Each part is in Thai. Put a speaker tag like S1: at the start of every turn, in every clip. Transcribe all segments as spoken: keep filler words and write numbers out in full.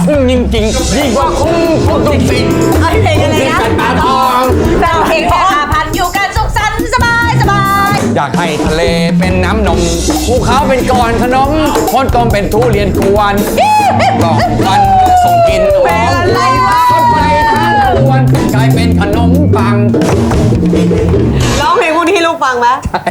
S1: คุ้มจริงๆยิ่งกว่าคุ้มคุ้มจริงๆ
S2: เอ้ยเพลงอะไรนะ
S1: คุ้มจริงๆกันตาทอง
S2: แฟนเพลงแค่ห้าพันอยู่กันสุขสันต์สบายสบาย
S1: อยากให้ทะเลเป็นน้ำนมภูเขาเป็นก้อนขนมคนต้มเป็นทุเรียนกวนกล่องวันส่งกินหอมอะไรวะคนไปทั้งกวนกลายเป็นขนมปัง
S2: ร้องเพลงพวกนี้ให้ลูกฟังไหม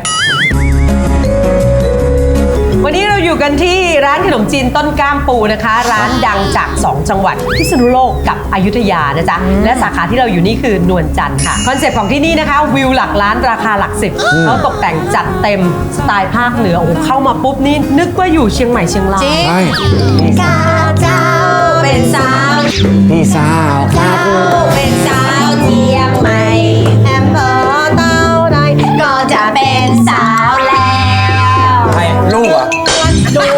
S2: วันนี้เราอยู่กันที่ร้านขนมจีนต้นกล้ามปูนะคะ ร้านดังจากสองจังหวัดพิษณุโลกกับอยุธยานะจ๊ะและสาขาที่เราอยู่นี่คือนวลจันทร์ค่ะคอนเซ็ปต์ของที่นี่นะคะวิวหลักล้านราคาหลักสิบเขาตกแต่งจัดเต็มสไตล์ภาคเหนือโอ้โหเข้ามาปุ๊บนี่นึกว่าอยู่เชียงใหม่เชียงราย
S1: ใช่
S2: ข้าเจ้าเป็นสาว
S1: พี่สาวครับ
S2: เป็นสาวเชียงใหม่แอมเภอเต้าใดก็จะเป็นสาวแล้ว
S1: ใครลูกอ่ะ
S2: หนู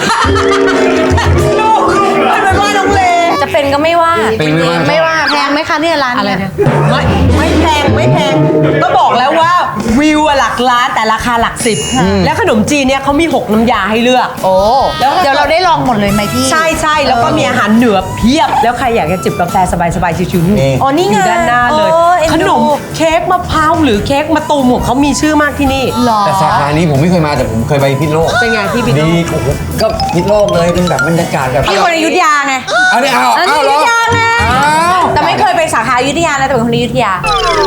S2: ลูกไม่เป็นว่าน้องเล
S3: จะเป็นก็ไม่ว่า
S1: เป็นไม่ว่า
S3: ไม่ว่าแพงไหมคะเนี่ยร้าน
S2: อะไร
S3: เนี่ย
S2: นะไม่ไม่แพงไม่แพงก็บอกแล้วว่าวิวอะหลักล้านแต่ราคาหลักสิบแล้วขนมจีนเนี่ยเขามีหกน้ำยาให้เลือก
S3: โอ้
S2: แล้ว
S3: เดี๋ยวเราได้ลองหมดเลยไหมพี่
S2: ใช่ใช่แล้วก็มีอาหารเหนือเพียบ แล้วใครอยากจะจิบกาแฟสบายๆชิวๆนี่
S3: อ๋อนี่
S2: อ
S3: ไง
S2: ยู่ด้านหน้าเลย
S3: เออเอ็นดู
S2: ขนมเค้กมะพร้าวหรือเค้กมะตูมของเขามีชื่อมากที่นี่
S3: หรอ
S1: แต่สาขานี้ผมไม่เคยมาแต่ผมเคยไปพิษณุโลก
S2: เป็นไงพี่บิ๊ก
S1: ดีโอ้โหก็พิษณุโลกเลยเป็นแบบบรรยากาศแบบ
S3: พี่คนอยุธยาไง
S1: เอาดิเอา
S3: อันนี้
S1: เอาเหรอ
S3: อยุธยาไง
S1: เอา
S3: แต่ไม่เคยไปสาขาอยุธยานะแต่เป็นคนอยุธยา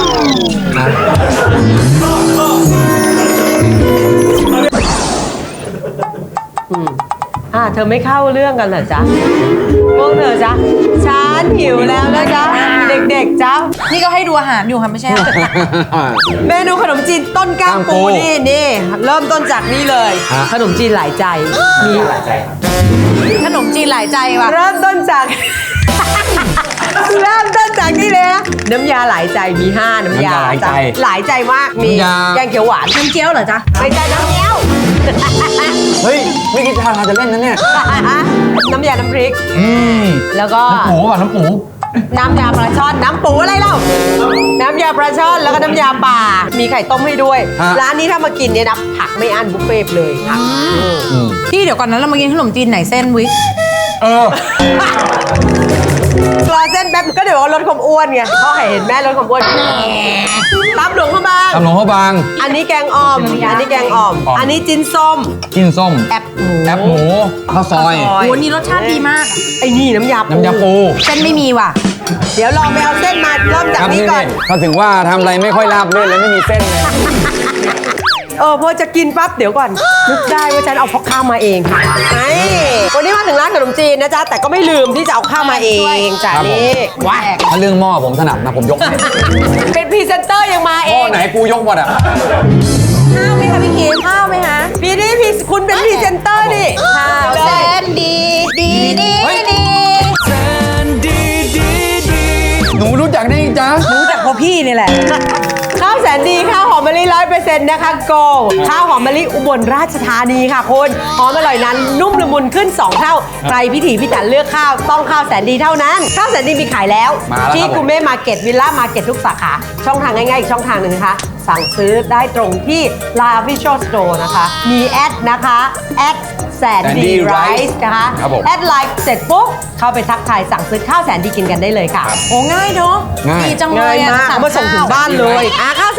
S2: อ่าเธอไม่เข้าเรื่องกันเหรอจ๊ะพวกเธอจ๊ะฉันหิวแล้วนะจ๊ะเด็กๆจ๊ะ
S3: นี่ก็ให้ดูอาหารอยู่ค่ะไม่ใช่เหรอ
S2: เมนูขนมจีนต้นกล้ามปู
S1: กล้ามปู
S2: นี่นี่เริ่มต้นจากนี่เลย
S1: ฮะ
S2: ขนมจีนหลายใจมี
S3: ขนมจีนหลายใจว่ะ
S2: เริ่มต้นจาก เริ่มต้นจากนี่เลยนะน้ำยาหลายใจมีห้าน้ำยา
S1: น้ำยาหลายใจ
S2: จ้ะหลายใจมากมี
S1: น้ำยา
S2: แกงเขียวหวาน
S3: น้ำเจียวเหรอจ๊ะ
S2: ไม่ใช่น้ำเงี้ยว
S1: เฮ้ยไม่คิดทางจะเล่นนะเนี่ย
S2: น้ำยาน้ำพริก
S1: อืม
S2: แล้วก็
S1: น้ำปูป่ะน้ำปู
S2: น้ำยาปลาช่อนน้ำปูอะไรเล่าน้ำยาปลาช่อนแล้วก็น้ำยาป่ามีไข่ต้มให้ด้วย
S1: ฮะ
S2: ร้านนี้ถ้ามากินเนี่ยนะผักไม่อั้นบุฟเฟ่ต์เลยค่ะ
S1: อืม
S3: พี่เดี๋ยวก่อนนั้นเรามากินขนมจีนไหนเส้นวิ
S1: เออ
S2: รอเส้นแป๊บก็เดี๋ยวว่าลดความอ้วนไงพ่อเห็นแม่ลดความอ้วนตับหลวงพระบาง
S1: ตำหลวงพระบาง
S2: อันนี้แกงอ่อม อันนี้แกงอ่อม
S1: อ่อม
S2: อันนี้จิ้นส้ม
S1: กินส้ม
S2: แอบหมู
S1: แอปหมูข้าวซอย
S2: ข้าวซ
S3: โอ้นี่รสชาติดีมากอะ
S2: ไอ้นี่น้ำยาปู
S1: น้ำยาปู
S3: เส้นไม่มีว่ะ
S2: เดี๋ยวลองไปเอาเส้นมาเริ่มจากนี้ก่อน
S1: เขาถึงว่าทำอะไรไม่ค่อยราบรื่นเลยไม่มีเส้นเลย
S2: เออพอจะกินปั๊บเดี๋ยวก่อนนึกได้ว่าฉันเอาข้าวมาเองไอ้วันนี้มาถึงร้านขนมจีนนะจ๊ะแต่ก็ไม่ลืมที่จะเอาข้าวมาเองจ้ะ
S1: ครับผม
S2: นี่ว้า
S1: ถ้าเรื่องหม้อผมถนัดนะผมยกให้
S2: เป็นพรีเซนเตอร์ยังมา
S1: ห
S2: เอ
S1: ม้อง ไหนกูยกหมดอ่ะ
S3: ข้าวไหมคะพี่คิมข้าวไหมคะ
S2: พี่นี่พี่คุณเป็นพรีเซนเตอร์นี่
S3: ข้าวเส้นดี ดีดี
S1: เฮ้ย
S3: ดี
S1: หนูรู้จักได้จ้ะ
S3: รู้จักเพราะพี่นี่แหละ
S2: ข้าวแสนดีข้าวหอมมะลิร้อยเปอร์เซ็นต์นะคะโกข้าวหอมมะลิอุบลราชธานีค่ะคุณหอมอร่อยนั้นนุ่มละมุนขึ้นสองเท่าใครพิถีพิถันเลือกข้าวต้องข้าวแสนดีเท่านั้น ข้าวแสนดีมีขายแล้ว
S1: มาแล้ว
S2: ที่
S1: ครับผม
S2: กูเม่มาร์เก็ตวิลล่ามาร์เก็ตทุกสาขาช่องทางง่ายๆอีกช่องทางหนึ่งนะคะ สั่งซื้อได้ตรงที่ La Visual Store นะคะ มีแอดนะคะแอดแสนดีไรซ์นะคะ
S1: ครับผม
S2: แอดไลน์เสร็จปุ๊บเข้าไปทักทายสั่งซื้อข้าวแสนดีกินกันได้เลยค่ะ
S3: โอ้ง่ายเนาะ
S1: ง่าย
S3: ดีจังเล
S2: ง่าย
S3: ยอะ
S2: มากเอามาส่งถึง
S3: ข้ว
S2: บ้านเลยอ่ะข้าว